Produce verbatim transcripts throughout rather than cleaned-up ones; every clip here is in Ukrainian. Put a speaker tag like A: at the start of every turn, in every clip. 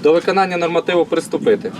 A: До виконання нормативу приступити.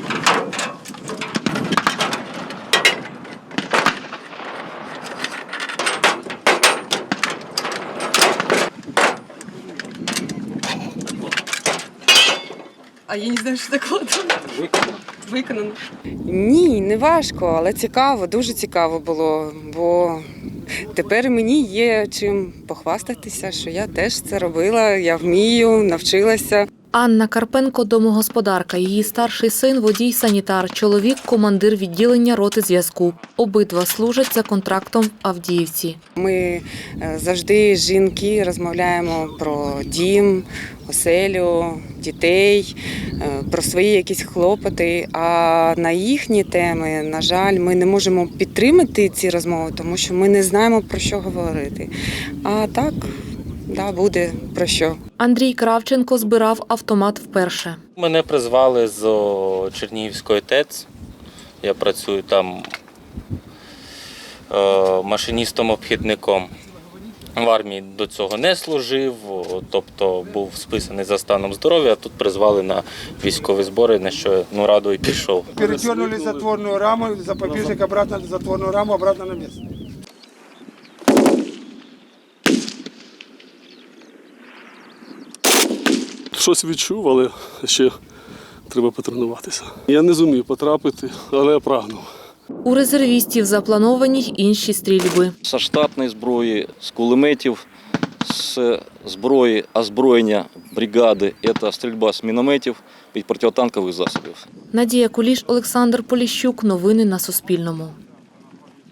B: А я не знаю, що таке.
A: Виконано.
B: Виконано.
C: Ні, не важко, але цікаво, дуже цікаво було, бо тепер мені є чим похвастатися, що я теж це робила, я вмію, навчилася.
D: Анна Карпенко – домогосподарка, її старший син – водій-санітар, чоловік – командир відділення роти зв'язку. Обидва служать за контрактом в Авдіївці.
C: Ми завжди, жінки, розмовляємо про дім, оселю, дітей, про свої якісь хлопоти. А на їхні теми, на жаль, ми не можемо підтримати ці розмови, тому що ми не знаємо, про що говорити. А так, да, буде про що.
D: Андрій Кравченко збирав автомат вперше.
E: Мене призвали з Чернігівської ТЕЦ. Я працюю там машиністом-обхідником. В армії до цього не служив, тобто був списаний за станом здоров'я, а тут призвали на військові збори, на що ну, радо і пішов.
F: Перетернули затворну раму, запобіжник обратно, затворну раму обратно на місце.
G: Щось відчув, але ще треба потренуватися. Я не зумів потрапити, але я прагнув.
D: У резервістів заплановані й інші стрільби.
H: З штатної зброї, з кулеметів, з зброї озброєння бригади – це стрільба з мінометів і протитанкових засобів.
D: Надія Куліш, Олександр Поліщук. Новини на Суспільному.